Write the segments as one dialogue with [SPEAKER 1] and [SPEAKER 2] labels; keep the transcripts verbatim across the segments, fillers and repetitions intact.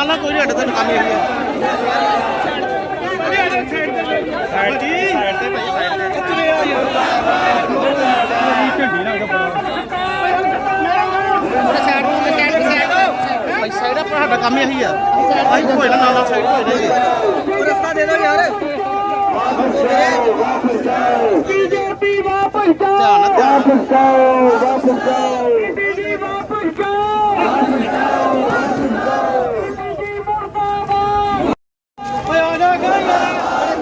[SPEAKER 1] ਨਾ ਨਾ ਕੋਈ ਹੱਟ ਤੇ ਨਕਾਮੀ ਹੈਗੀ ਸਾਈਡ ਜੀ ਸਾਈਡ ਤੇ ਭਾਈ ਸਾਈਡ ਤੇ ਕਿੱਥੇ ਆ ਯਾਰ ਝੰਡੀ ਨਾ ਉਹਦਾ ਸਾਈਡ ਨੂੰ ਮੈਂ ਕਹਿ ਸਾਈਡ ਭਾਈ ਸਾਈਡ ਆ ਸਾਡਾ ਕੰਮ ਇਹੀ ਆ ਭਾਈ ਕੋਈ ਨਾ ਨਾਲ ਸਾਈਡ ਹੋ ਜਾਏ ਰਸਤਾ ਦੇ ਦਿਓ ਯਾਰ ਬੀਜੇਪੀ ਵਾਪਸ ਜਾਓ ਵਾਪਸ ਜਾਓ ਵਾਪਸ ਜਾਓ ਬੀਜੇਪੀ ਵਾਪਸ ਜਾਓ ਵਾਪਸ ਜਾਓ ਵਾਪਸ ਜਾਓ ਬੀਜੇਪੀ ਮੁਰਦਾਬਾਦ ਓਏ ਆ ਜਾ ਗਾ ਯਾਰ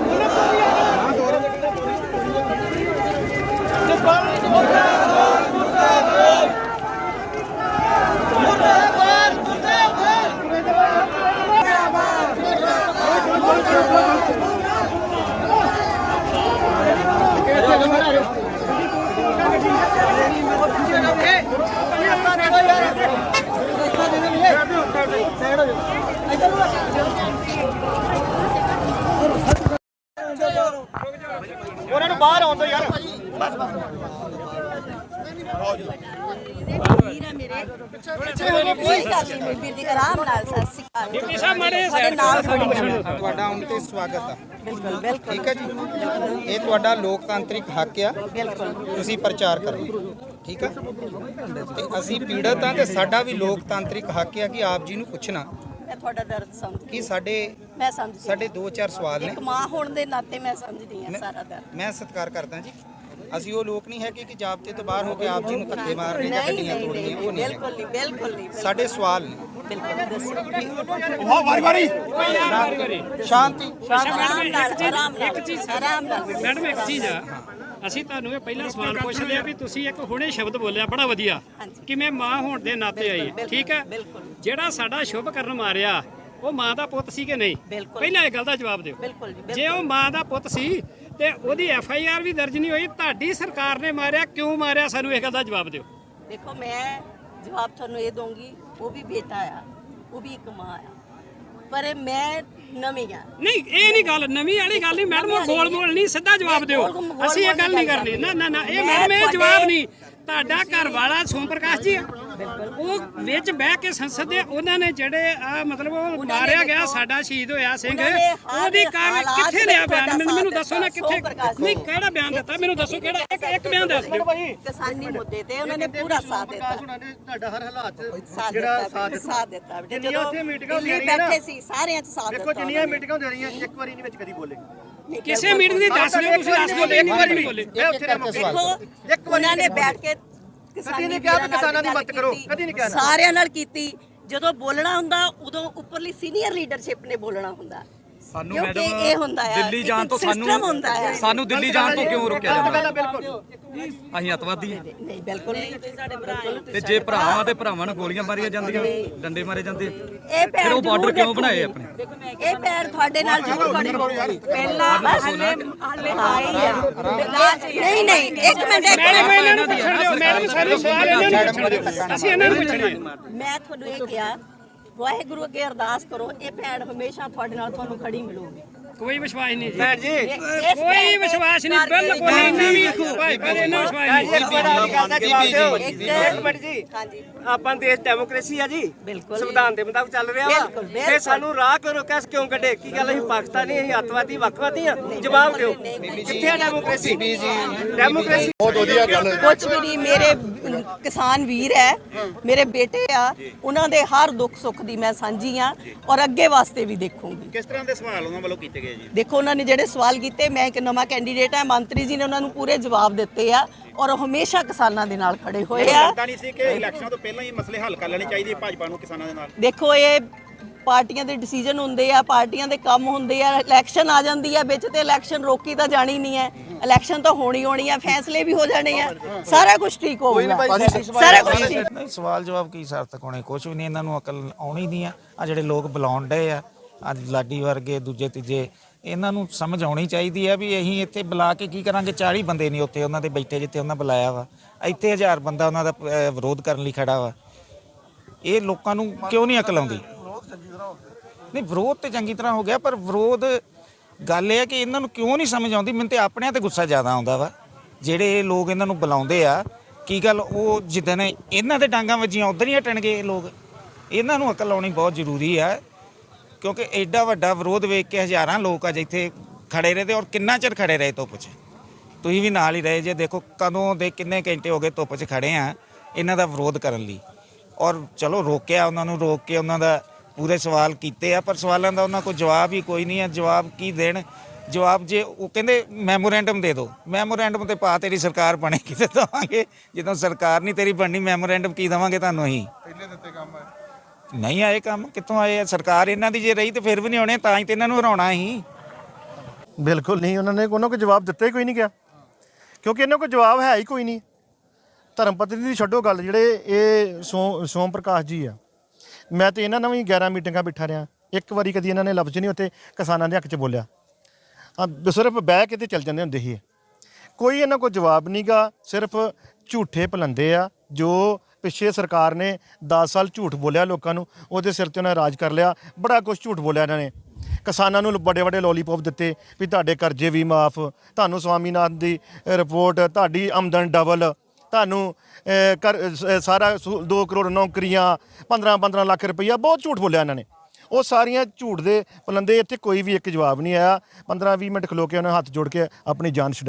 [SPEAKER 1] ਉਹਨਾਂ ਨੂੰ ਬਾਹਰ ਆਉਣ ਦੋ ਯਾਰ ਬਸ ਬਸ
[SPEAKER 2] ਵੀਰ ਹੈ ਮੇਰੇ ਕੋਈ ਗੱਲ ਨਹੀਂ ਮੇਰੀ ਵੀਰ ਦੀ ਆਰਾਮ ਨਾਲ ਸਤਿ ਸ਼੍ਰੀ ਅਕਾਲ
[SPEAKER 3] ਡਿਪਟੀ ਸਾਹਿਬ ਮਾੜੇ
[SPEAKER 2] ਸਾਡੇ ਨਾਲ
[SPEAKER 4] ਤੁਹਾਡਾ ਆਉਣ ਤੇ ਸਵਾਗਤ ਆ।
[SPEAKER 2] ਬਿਲਕੁਲ ਬਿਲਕੁਲ
[SPEAKER 4] ਠੀਕ ਹੈ ਜੀ, ਇਹ ਤੁਹਾਡਾ ਲੋਕਤਾਂਤਰਿਕ ਹੱਕ ਆ,
[SPEAKER 2] ਬਿਲਕੁਲ
[SPEAKER 4] ਤੁਸੀਂ ਪ੍ਰਚਾਰ ਕਰੋ। ਠੀਕ ਆ, ਤੇ ਅਸੀਂ ਪੀੜਤ ਆ ਤੇ ਸਾਡਾ ਵੀ ਲੋਕਤਾਂਤਰਿਕ ਹੱਕ ਆ ਕਿ ਆਪ ਜੀ ਨੂੰ ਪੁੱਛਣਾ
[SPEAKER 2] ਮੈਂ ਤੁਹਾਡਾ ਦਰਦ ਸਮਝ
[SPEAKER 4] ਕਿ ਸਾਡੇ
[SPEAKER 2] ਮੈਂ ਸਮਝਦੀ
[SPEAKER 4] ਸਾਡੇ ਦੋ ਚਾਰ ਸਵਾਲ ਨੇ।
[SPEAKER 2] ਇੱਕ ਮਾਂ ਹੋਣ ਦੇ ਨਾਤੇ ਮੈਂ ਸਮਝਦੀ ਹਾਂ ਸਾਰਾ ਦਰਦ।
[SPEAKER 4] ਮੈਂ ਸਤਿਕਾਰ ਕਰਦਾ ਜੀ, ਅਸੀਂ ਉਹ ਲੋਕ ਨਹੀਂ ਹੈ ਕਿ ਜਾਬਤੇ ਤੋਂ ਬਾਹਰ ਹੋ ਕੇ ਆਪ ਜੀ ਨੂੰ ਧੱਕੇ ਮਾਰਨੇ ਜਾਂ ਗੱਡੀਆਂ ਤੋੜਨੀਆਂ, ਉਹ ਨਹੀਂ
[SPEAKER 2] ਬਿਲਕੁਲ ਨਹੀਂ ਬਿਲਕੁਲ ਨਹੀਂ
[SPEAKER 4] ਸਾਡੇ ਸਵਾਲ ਨੇ।
[SPEAKER 2] ਬਿਲਕੁਲ ਦੱਸੋ
[SPEAKER 1] ਵਾਹ ਵਾਰੀ ਵਾਰੀ
[SPEAKER 4] ਸ਼ਾਂਤੀ
[SPEAKER 2] ਆਰਾਮ ਨਾਲ ਆਰਾਮ ਨਾਲ ਇੱਕ ਚੀਜ਼ ਆਰਾਮ ਨਾਲ
[SPEAKER 3] ਮੈਡਮ ਇੱਕ ਚੀਜ਼ ਆ, ਅਸੀਂ ਤੁਹਾਨੂੰ ਇਹ ਪਹਿਲਾਂ ਸਵਾਲ ਪੁੱਛਦੇ ਆ ਵੀ ਤੁਸੀਂ ਇੱਕ ਹੁਣੇ ਸ਼ਬਦ ਬੋਲਿਆ ਬੜਾ ਵਧੀਆ ਕਿ ਮੈਂ ਮਾਂ ਹੋਣ ਦੇ ਨਾਤੇ ਆਈ, ਠੀਕ ਹੈ। ਜਿਹੜਾ ਸਾਡਾ ਸ਼ੁਭ ਕਰਨ ਮਾਰਿਆ ਉਹ ਮਾਂ ਦਾ ਪੁੱਤ ਸੀ ਕਿ ਨਹੀਂ, ਪਹਿਲਾਂ ਇਹ ਗੱਲ ਦਾ ਜਵਾਬ ਦਿਓ।
[SPEAKER 2] ਬਿਲਕੁਲ ਜੀ,
[SPEAKER 3] ਜੇ ਉਹ ਮਾਂ ਦਾ ਪੁੱਤ ਸੀ ਤੇ ਉਹਦੀ ਐਫ ਆਈ ਆਰ ਵੀ ਦਰਜ ਨਹੀਂ ਹੋਈ, ਤੁਹਾਡੀ ਸਰਕਾਰ ਨੇ ਮਾਰਿਆ, ਕਿਉਂ ਮਾਰਿਆ, ਸਾਨੂੰ ਇਹ ਗੱਲ ਦਾ ਜਵਾਬ ਦਿਓ।
[SPEAKER 2] ਦੇਖੋ ਮੈਂ ਜਵਾਬ ਤੁਹਾਨੂੰ ਇਹ ਦਊਂਗੀ, ਉਹ ਵੀ ਬੇਟਾ ਆ, ਉਹ ਵੀ ਇੱਕ ਮਾਂ ਆ, ਪਰ ਮੈਂ ਨਵੀਂ ਆ।
[SPEAKER 3] ਨਹੀਂ ਇਹ ਨਹੀਂ ਗੱਲ, ਨਵੀਂ ਵਾਲੀ ਗੱਲ ਨਹੀਂ ਮੈਡਮ, ਉਹ ਗੋਲ ਮੋਲ ਨਹੀਂ, ਸਿੱਧਾ ਜਵਾਬ ਦਿਓ। ਅਸੀਂ ਇਹ ਗੱਲ ਨਹੀਂ ਕਰਨੀ, ਨਾ ਨਾ ਨਾ ਇਹ ਮੈਡਮ ਇਹ ਜਵਾਬ ਨਹੀਂ। ਤੁਹਾਡਾ ਘਰ ਵਾਲਾ ਸੋਮ ਪ੍ਰਕਾਸ਼ ਜੀ ਆ, ਉਹ ਵਿੱਚ ਬਹਿ ਕੇ ਸੰਸਦ ਦੇ ਉਹਨਾਂ ਨੇ ਜਿਹੜੇ ਆ ਮਤਲਬ ਉਹ ਮਾਰਿਆ ਗਿਆ ਸਾਡਾ ਸ਼ਹੀਦ ਹੋਇਆ ਸਿੰਘ, ਉਹਦੀ ਕਾਰ ਕਿੱਥੇ ਲਿਆ ਬਿਆਨ, ਮੈਨੂੰ ਦੱਸੋ ਨਾ ਕਿੱਥੇ, ਨਹੀਂ ਕਿਹੜਾ ਬਿਆਨ ਦਿੱਤਾ ਮੈਨੂੰ ਦੱਸੋ, ਕਿਹੜਾ ਇੱਕ ਇੱਕ ਬਿਆਨ ਦੱਸ ਦਿਓ।
[SPEAKER 2] ਕਿਸਾਨੀ ਮੁੱਦੇ ਤੇ ਉਹਨਾਂ ਨੇ ਪੂਰਾ ਸਾਥ ਦਿੱਤਾ,
[SPEAKER 1] ਤੁਹਾਡਾ ਹਰ ਹਾਲਾਤ
[SPEAKER 2] ਜਿਹੜਾ ਸਾਥ ਸਾਥ ਦਿੱਤਾ।
[SPEAKER 1] ਜਿੰਨੀਆਂ ਉੱਥੇ ਮੀਟਿੰਗਾਂ ਹੁੰਦੀਆਂ
[SPEAKER 2] ਦਿੱਲੀ ਬੈਠੇ ਸੀ ਸਾਰਿਆਂ 'ਚ ਸਾਥ
[SPEAKER 1] ਦੇਖੋ
[SPEAKER 2] ਦਿੱਤਾ।
[SPEAKER 1] ਜਿੰਨੀਆਂ ਮੀਟਿੰਗਾਂ ਹੁੰਦੀਆਂ ਰਹੀਆਂ ਇੱਕ ਵਾਰੀ ਨਹੀਂ ਵਿੱਚ ਕਦੀ ਬੋਲੇ
[SPEAKER 3] ਕਿਸੇ ਮੀਟਿੰਗ ਦੀ ਦੱਸ ਦਿਓ, ਤੁਸੀਂ ਦੱਸ ਦਿਓ ਇੱਕ ਵਾਰੀ ਨਹੀਂ ਬੋਲੇ।
[SPEAKER 2] ਦੇਖੋ ਉਹਨਾਂ ਨੇ ਬੈਠ ਕੇ
[SPEAKER 1] ਕਦੀ ਨਹੀਂ ਕਿਹਾ ਕਿ ਕਿਸਾਨਾਂ ਦੀ ਮਦਦ ਕਰੋ, ਕਦੀ ਨਹੀਂ ਕਿਹਾ,
[SPEAKER 2] ਸਾਰਿਆਂ ਨਾਲ ਕੀਤੀ। ਜਦੋਂ ਬੋਲਣਾ ਹੁੰਦਾ ਉਦੋਂ ਉੱਪਰਲੀ ਸੀਨੀਅਰ ਲੀਡਰਸ਼ਿਪ ਨੇ ਬੋਲਣਾ ਹੁੰਦਾ।
[SPEAKER 5] ਸਾਨੂੰ
[SPEAKER 2] ਕਿਉਂਕਿ
[SPEAKER 5] ਮੈਡਮ
[SPEAKER 2] ਇਹ ਹੁੰਦਾ ਹੈ
[SPEAKER 5] ਦਿੱਲੀ ਜਾਣ ਤੋਂ
[SPEAKER 2] system
[SPEAKER 5] ਸਾਨੂੰ
[SPEAKER 2] ਹੁੰਦਾ ਹੈ।
[SPEAKER 5] ਸਾਨੂੰ ਦਿੱਲੀ ਜਾਣ ਤੋਂ ਕਿਉਂ ਰੋਕਿਆ ਜਾਂਦਾ?
[SPEAKER 1] ਬਿਲਕੁਲ
[SPEAKER 5] ਅਸੀਂ ਅੱਤਵਾਦੀ ਹਾਂ
[SPEAKER 2] ਨਹੀਂ ਬਿਲਕੁਲ ਨਹੀਂ, ਸਾਡੇ ਭਰਾ
[SPEAKER 5] ਤੇ ਜੇ ਭਰਾਵਾਂ ਤੇ ਭਰਾਵਾਂ ਨੂੰ ਗੋਲੀਆਂ ਮਾਰੀਆਂ ਜਾਂਦੀਆਂ, ਡੰਡੇ ਮਾਰੇ ਜਾਂਦੇ,
[SPEAKER 2] ਇਹ ਪੈਰ
[SPEAKER 5] ਫਿਰ ਉਹ ਬਾਰਡਰ
[SPEAKER 2] ਜ਼ਰੂਰ
[SPEAKER 5] ਕਿਉਂ ਬਣਾਏ ਆਪਣੇ?
[SPEAKER 2] ਇਹ ਪੈਰ ਤੁਹਾਡੇ ਨਾਲ ਜ਼ਰੂਰ ਖੜੇ ਪਹਿਲਾਂ ਹਲੇ ਹਲੇ ਆਏ ਆ। ਨਹੀਂ ਨਹੀਂ ਇੱਕ ਮਿੰਟ ਇੱਕ
[SPEAKER 3] ਮੈਡਮ ਇਹਨਾਂ ਨੂੰ
[SPEAKER 2] ਮਿੰਟ
[SPEAKER 3] ਪੁੱਛਣ ਦਿਓ, ਮੈਡਮ ਸਾਨੂੰ ਸਵਾਲ ਇਹਨਾਂ ਨੂੰ ਪੁੱਛਣ ਦਿਓ, ਅਸੀਂ ਇਹਨਾਂ ਨੂੰ ਪੁੱਛਣਾ।
[SPEAKER 2] ਮੈਂ ਤੁਹਾਨੂੰ ਇਹ ਕਿਹਾ ਵਾਹਿਗੁਰੂ ਅੱਗੇ ਅਰਦਾਸ ਕਰੋ, ਇਹ ਭੈਣ ਹਮੇਸ਼ਾ ਤੁਹਾਡੇ ਨਾਲ ਤੁਹਾਨੂੰ ਖੜੀ ਮਿਲੂਗੀ।
[SPEAKER 3] ਕੋਈ ਵਿਸ਼ਵਾਸ ਨਹੀਂ ਜੀ,
[SPEAKER 1] ਭੈਣ ਜੀ
[SPEAKER 3] ਕੋਈ ਵਿਸ਼ਵਾਸ ਨਹੀਂ, ਬਿਲਕੁਲ ਨਹੀਂ ਵੀ ਭਾਈ ਪਰ ਇਹਨਾਂ ਵਿਸ਼ਵਾਸ ਨਹੀਂ।
[SPEAKER 1] ਇੱਕ ਮਿੰਟ ਜੀ,
[SPEAKER 2] ਹਾਂਜੀ
[SPEAKER 1] ਆਪਾਂ ਦੇਸ਼ ਡੈਮੋਕ੍ਰੇਸੀ ਆ ਜੀ,
[SPEAKER 2] ਬਿਲਕੁਲ
[SPEAKER 1] ਸੰਵਿਧਾਨ ਦੇ ਮੁਤਾਬਕ ਚੱਲ ਰਿਹਾ ਵਾ,
[SPEAKER 2] ਬਿਲਕੁਲ, ਬਿਲਕੁਲ।
[SPEAKER 1] ਫੇ ਸਾਨੂੰ ਰਾਹ ਕਰੋ ਕਿਸ ਕਿਉਂ ਕੱਢੇ? ਕੀ ਗੱਲ ਅਸੀਂ ਪਾਕਿਸਤਾਨੀ, ਅਸੀਂ ਅੱਤਵਾਦੀ, ਵੱਖਵਾਦੀ ਆ? ਜਵਾਬ ਦਿਓ, ਕਿੱਥੇ ਆ ਡੈਮੋਕ੍ਰੇਸੀ? ਡੈਮੋਕ੍ਰੇਸੀ
[SPEAKER 2] ਕੁਝ ਵੀ ਨਹੀਂ। ਮੇਰੇ ਕਿਸਾਨ ਵੀਰ ਹੈ, ਮੇਰੇ ਬੇਟੇ ਆ, ਉਹਨਾਂ ਦੇ ਹਰ ਦੁੱਖ ਸੁੱਖ ਦੀ ਮੈਂ ਸਾਂਝੀ ਆ ਔਰ ਅੱਗੇ ਵਾਸਤੇ ਵੀ ਦੇਖੂੰਗੀ।
[SPEAKER 1] ਕਿਸ ਤਰ੍ਹਾਂ ਦੇ ਸਵਾਲ ਉਹਨਾਂ ਵੱਲੋਂ ਕੀਤੇ ਗਏ ਜੀ?
[SPEAKER 2] ਦੇਖੋ ਉਹਨਾਂ ਨੇ ਜਿਹੜੇ ਸਵਾਲ ਕੀਤੇ, ਮੈਂ ਇੱਕ ਨਵਾਂ ਕੈਂਡੀਡੇਟ ਆ, ਮੰਤਰੀ ਜੀ ਨੇ ਉਹਨਾਂ ਨੂੰ ਪੂਰੇ ਜਵਾਬ ਦਿੱਤੇ ਆ ਔਰ ਉਹ ਹਮੇਸ਼ਾ ਕਿਸਾਨਾਂ ਦੇ ਨਾਲ ਖੜੇ ਹੋਏ ਆ।
[SPEAKER 1] ਲੱਗਦਾ ਨਹੀਂ ਸੀ ਕਿ ਇਲੈਕਸ਼ਨਾਂ ਤੋਂ ਪਹਿਲਾਂ ਹੀ ਮਸਲੇ ਹੱਲ ਕਰ ਲੈਣੇ ਚਾਹੀਦੇ ਭਾਜਪਾ ਨੂੰ ਕਿਸਾਨਾਂ ਦੇ ਨਾਲ?
[SPEAKER 2] ਦੇਖੋ ਇਹ ਪਾਰਟੀਆਂ ਦੇ ਡਿਸੀਜਨ ਹੁੰਦੇ ਆ, ਪਾਰਟੀਆਂ ਦੇ ਕੰਮ ਹੁੰਦੇ ਆ, ਇਲੈਕਸ਼ਨ ਆ ਜਾਂਦੀ ਆ ਵਿੱਚ ਤੇ ਇਲੈਕਸ਼ਨ ਰੋਕੀ ਤਾਂ ਜਾਣੀ ਨਹੀਂ ਹੈ। ਇਲੈਕਸ਼ਨ ਤਾਂ ਹੋਣੀ ਹੋਣੀ ਆ, ਫੈਸਲੇ ਵੀ ਹੋ ਜਾਣੇ ਆ, ਸਾਰਾ ਕੁਝ ਠੀਕ ਹੋਊਗਾ, ਸਾਰਾ ਕੁਝ ਠੀਕ।
[SPEAKER 6] ਨਹੀਂ ਸਵਾਲ ਜਵਾਬ ਕੀ ਸਾਰਥਕ ਹੋਣੇ, ਕੁਝ ਵੀ ਨਹੀਂ, ਇਹਨਾਂ ਨੂੰ ਅਕਲ ਆਉਣੀ ਨਹੀਂ ਆ। ਆ ਜਿਹੜੇ ਲੋਕ ਬੁਲਾਉਣ ਡਏ ਆ ਅੱਜ ਲਾਡੀ ਵਰਗੇ ਦੂਜੇ ਤੀਜੇ, ਇਹਨਾਂ ਨੂੰ ਸਮਝ ਆਉਣੀ ਚਾਹੀਦੀ ਆ ਵੀ ਅਸੀਂ ਇੱਥੇ ਬੁਲਾ ਕੇ ਕੀ ਕਰਾਂਗੇ? ਚਾਲੀ ਬੰਦੇ ਨਹੀਂ ਉੱਥੇ ਉਹਨਾਂ ਦੇ ਬੈਠੇ ਜਿੱਥੇ ਉਹਨਾਂ ਬੁਲਾਇਆ ਵਾ, ਇੱਥੇ ਹਜ਼ਾਰ ਬੰਦਾ ਉਹਨਾਂ ਦਾ ਵਿਰੋਧ ਕਰਨ ਲਈ ਖੜਾ ਵਾ। ਇਹ ਲੋਕਾਂ ਨੂੰ ਕਿਉਂ ਨਹੀਂ ਅਕਲ ਆਉਂਦੀ? ਨਹੀਂ ਵਿਰੋਧ ਤੇ ਚੰਗੀ ਤਰ੍ਹਾਂ ਹੋ ਗਿਆ, ਪਰ ਵਿਰੋਧ ਗੱਲ ਇਹ ਹੈ ਕਿ ਇਹਨਾਂ ਨੂੰ ਕਿਉਂ ਨਹੀਂ ਸਮਝ ਆਉਂਦੀ? ਮੈਨੂੰ ਤੇ ਆਪਣਿਆਂ ਤੇ ਗੁੱਸਾ ਜ਼ਿਆਦਾ ਆਉਂਦਾ ਵਾ। ਜਿਹੜੇ ਲੋਕ ਇਹਨਾਂ ਨੂੰ ਬੁਲਾਉਂਦੇ ਆ, ਕੀ ਗੱਲ ਉਹ ਜਿੱਦਣ ਇਹਨਾਂ ਦੇ ਡਾਂਗਾਂ ਵੱਜੀਆਂ ਉਧਰ ਹੀ ਹਟਣਗੇ ਇਹ ਲੋਕ? ਇਹਨਾਂ ਨੂੰ ਅਕਲ ਆਉਣੀ ਬਹੁਤ ਜ਼ਰੂਰੀ ਆ ਕਿਉਂਕਿ ਐਡਾ ਵੱਡਾ ਵਿਰੋਧ ਵੇਖ ਕੇ ਹਜ਼ਾਰਾਂ ਲੋਕ ਅੱਜ ਇੱਥੇ ਖੜੇ ਰਹੇ ਤੇ ਔਰ ਕਿੰਨਾ ਚਿਰ ਖੜੇ ਰਹੇ ਧੁੱਪ 'ਚ। ਤੁਸੀਂ ਵੀ ਨਾਲ ਹੀ ਰਹੇ ਜੇ, ਦੇਖੋ ਕਦੋਂ ਦੇ ਕਿੰਨੇ ਘੰਟੇ ਹੋ ਗਏ ਧੁੱਪ 'ਚ ਖੜੇ ਆ ਇਹਨਾਂ ਦਾ ਵਿਰੋਧ ਕਰਨ ਲਈ। ਔਰ ਚਲੋ ਰੋਕਿਆ ਉਹਨਾਂ ਨੂੰ, ਰੋਕ ਕੇ ਉਹਨਾਂ ਦਾ ਪੂਰੇ ਸਵਾਲ ਕੀਤੇ ਆ, ਪਰ ਸਵਾਲਾਂ ਦਾ ਉਹਨਾਂ ਕੋਲ ਜਵਾਬ ਹੀ ਕੋਈ ਨਹੀਂ ਹੈ। ਜਵਾਬ ਕੀ ਦੇਣ? ਜਵਾਬ ਜੇ ਉਹ ਕਹਿੰਦੇ ਮੈਮੋਰੈਂਡਮ ਦੇ ਦਿਓ, ਮੈਮੋਰੈਂਡਮ ਤੇ ਪਾ ਤੇਰੀ ਸਰਕਾਰ ਬਣੇਗੀ ਤੇ ਦੇਵਾਂਗੇ, ਜਦੋਂ ਸਰਕਾਰ ਨਹੀਂ ਤੇਰੀ ਬਣਨੀ ਮੈਮੋਰੈਂਡਮ ਕੀ ਦੇਵਾਂਗੇ ਤੁਹਾਨੂੰ? ਅਸੀਂ ਪਹਿਲੇ ਦਿੱਤੇ ਕੰਮ ਆਏ ਨਹੀਂ ਆਏ, ਕੰਮ ਕਿੱਥੋਂ ਆਏ ਆ? ਸਰਕਾਰ ਇਹਨਾਂ ਦੀ ਜੇ ਰਹੀ ਤੇ ਫਿਰ ਵੀ ਨਹੀਂ ਆਉਣੇ, ਤਾਂ ਹੀ ਤੇ ਇਹਨਾਂ ਨੂੰ ਹਰਾਉਣਾ ਸੀ।
[SPEAKER 7] ਬਿਲਕੁਲ ਨਹੀਂ, ਉਹਨਾਂ ਨੇ ਉਹਨਾਂ ਕੋਲ ਜਵਾਬ ਦਿੱਤਾ ਹੀ ਕੋਈ ਨਹੀਂ ਗਿਆ, ਕਿਉਂਕਿ ਇਹਨਾਂ ਕੋਲ ਜਵਾਬ ਹੈ ਹੀ ਕੋਈ ਨਹੀਂ। ਧਰਮ ਪਤਨੀ ਦੀ ਛੱਡੋ ਗੱਲ, ਜਿਹੜੇ ਇਹ ਸੋ ਸੋਮ ਪ੍ਰਕਾਸ਼ ਜੀ ਆ, ਮੈਂ ਤੇ ਇਹਨਾਂ ਨਾਲ ਵੀ ਗਿਆਰਾਂ ਮੀਟਿੰਗਾਂ ਬਿਠਾ ਰਿਹਾ, ਇੱਕ ਵਾਰੀ ਕਦੀ ਇਹਨਾਂ ਨੇ ਲਫ਼ਜ਼ ਨਹੀਂ ਉੱਥੇ ਕਿਸਾਨਾਂ ਦੇ ਹੱਕ 'ਚ ਬੋਲਿਆ। ਆ ਸਿਰਫ ਬਹਿ ਕੇ ਤੇ ਚੱਲ ਜਾਂਦੇ ਹੁੰਦੇ ਸੀ। ਕੋਈ ਇਹਨਾਂ ਕੋਲ ਜਵਾਬ ਨਹੀਂ ਗਾ, ਸਿਰਫ ਝੂਠੇ ਪਲੰਦੇ ਆ। ਜੋ ਪਿੱਛੇ ਸਰਕਾਰ ਨੇ ਦਸ ਸਾਲ ਝੂਠ ਬੋਲਿਆ ਲੋਕਾਂ ਨੂੰ, ਉਹਦੇ ਸਿਰ 'ਤੇ ਉਹਨਾਂ ਰਾਜ ਕਰ ਲਿਆ। ਬੜਾ ਕੁਝ ਝੂਠ ਬੋਲਿਆ ਇਹਨਾਂ ਨੇ। ਕਿਸਾਨਾਂ ਨੂੰ ਵੱਡੇ ਵੱਡੇ ਲੋਲੀਪੌਪ ਦਿੱਤੇ ਵੀ ਤੁਹਾਡੇ ਕਰਜ਼ੇ ਵੀ ਮਾਫ, ਤੁਹਾਨੂੰ ਸਵਾਮੀਨਾਥਨ ਦੀ ਰਿਪੋਰਟ, ਤੁਹਾਡੀ ਆਮਦਨ ਡਬਲ, ਤੁਹਾਨੂੰ ਕਰ ਸਾਰਾ ਦੋ ਕਰੋੜ ਨੌਕਰੀਆਂ, ਪੰਦਰਾਂ ਪੰਦਰਾਂ ਲੱਖ ਰੁਪਈਆ, ਬਹੁਤ ਝੂਠ ਬੋਲਿਆ ਇਹਨਾਂ ਨੇ। ਉਹ ਸਾਰੀਆਂ ਝੂਠ ਦੇ ਪਲੰਦੇ, ਇੱਥੇ ਕੋਈ ਵੀ ਇੱਕ ਜਵਾਬ ਨਹੀਂ ਆਇਆ। ਪੰਦਰਾਂ ਵੀਹ ਮਿੰਟ ਖਲੋ ਕੇ ਉਹਨਾਂ ਹੱਥ ਜੋੜ ਕੇ ਆਪਣੀ ਜਾਨ ਛੁਡਾ